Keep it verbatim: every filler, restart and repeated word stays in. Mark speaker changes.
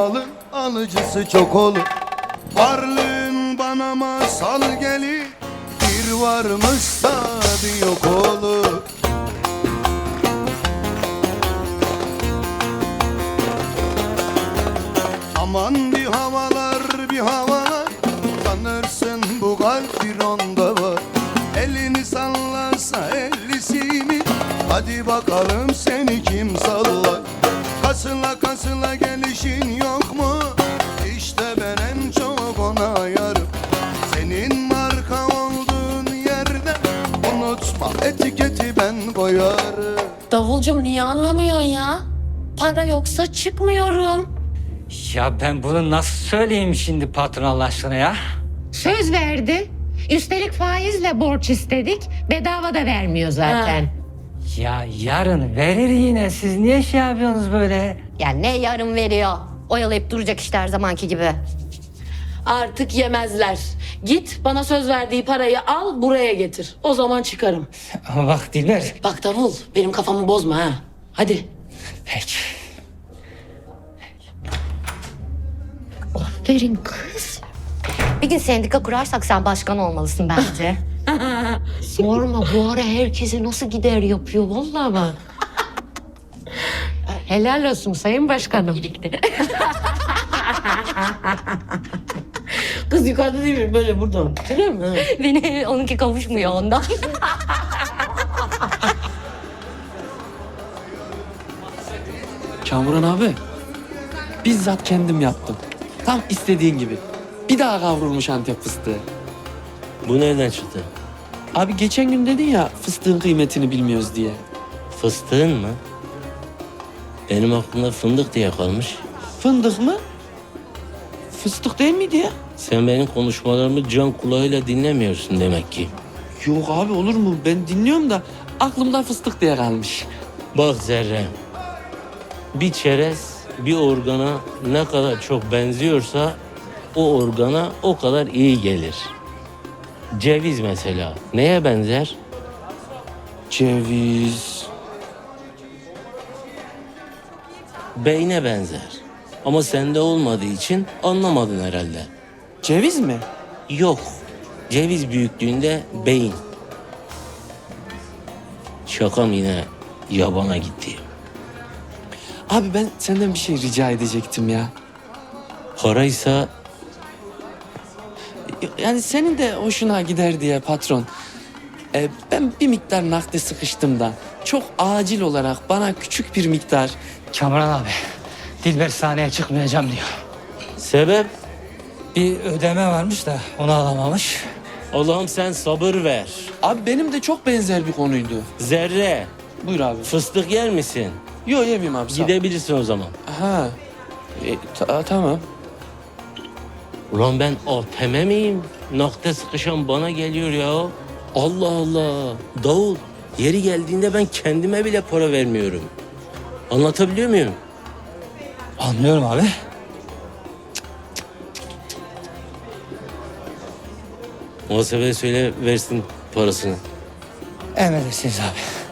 Speaker 1: malın alıcısı çok olur. Varlığın bana masal gelir, bir varmışsa bir yok olur. Aman bir havalar bir havalar, sanırsın bu kalp bir onda var. Elini sallasa ellisini, hadi bakalım seni kim sallar. Kasıla kasıla gelişin yok mu? İşte ben en çok ona yarım. Senin marka olduğun yerde unutma, etiketi ben koyarım.
Speaker 2: Davulcum niye anlamıyorsun ya? Para yoksa çıkmıyorum.
Speaker 3: Ya ben bunu nasıl söyleyeyim şimdi patron Allah aşkına ya?
Speaker 4: Söz verdi. Üstelik faizle borç istedik. Bedava da vermiyor zaten.
Speaker 3: Ya yarın verir yine. Siz niye şey yapıyorsunuz böyle?
Speaker 2: Ya ne yarım veriyor? Oyalayıp duracak işte her zamanki gibi.
Speaker 5: Artık yemezler. Git bana söz verdiği parayı al buraya getir. O zaman çıkarım.
Speaker 3: Ama bak Dilber.
Speaker 5: Bak Davul benim kafamı bozma ha. Hadi.
Speaker 3: Peki.
Speaker 2: Aferin kız. Bir gün sendika kurarsak sen başkan olmalısın bence. Sorma, bu ara herkese nasıl gider yapıyor vallahi bak.
Speaker 4: Helal olsun Sayın Başkanım.
Speaker 5: Kız yukarıda değil mi? Böyle burada. Görüyor musun?
Speaker 2: Beni onunki kavuşmuyor ondan.
Speaker 6: Kamuran abi, bizzat kendim yaptım. Tam istediğin gibi. Bir daha kavrulmuş Antep fıstığı.
Speaker 7: Bu nereden çıktı?
Speaker 6: Abi geçen gün dedin ya fıstığın kıymetini bilmiyoruz diye.
Speaker 7: Fıstığın mı? Benim aklımda fındık diye kalmış.
Speaker 6: Fındık mı? Fıstık değil miydi ya?
Speaker 7: Sen benim konuşmalarımı can kulağıyla dinlemiyorsun demek ki.
Speaker 6: Yok abi olur mu? Ben dinliyorum da aklımda fıstık diye kalmış.
Speaker 7: Bak Zerre, bir çerez bir organa ne kadar çok benziyorsa o organa o kadar iyi gelir. Ceviz mesela neye benzer?
Speaker 6: Ceviz.
Speaker 7: Beyne benzer. Ama sende olmadığı için anlamadın herhalde.
Speaker 6: Ceviz mi?
Speaker 7: Yok. Ceviz büyüklüğünde beyin. Şakam yine yabana gitti.
Speaker 6: Abi ben senden bir şey rica edecektim ya.
Speaker 7: Paraysa
Speaker 6: Yani senin de hoşuna gider diye patron. Ee, ben bir miktar nakde sıkıştım da. Çok acil olarak bana küçük bir miktar.
Speaker 3: Kamuran abi. Dilber sahneye çıkmayacağım diyor.
Speaker 7: sebep
Speaker 3: Bir ödeme varmış da onu alamamış.
Speaker 7: Allah'ım sen sabır ver.
Speaker 6: Abi benim de çok benzer bir konuydu.
Speaker 7: Zerre,
Speaker 6: Buyur abi.
Speaker 7: fıstık yer misin?
Speaker 6: Yok yemeyeyim abi sağ ol.
Speaker 7: Gidebilirsin o zaman.
Speaker 6: Ha. E, ta- tamam.
Speaker 7: Ulan ben A T M miyim? Nakde sıkışan bana geliyor ya. Allah Allah. Davul, yeri geldiğinde ben kendime bile para vermiyorum. Anlatabiliyor muyum?
Speaker 3: Anlıyorum abi.
Speaker 7: Muhasebeye söyle versin parasını.
Speaker 3: Emredersiniz abi.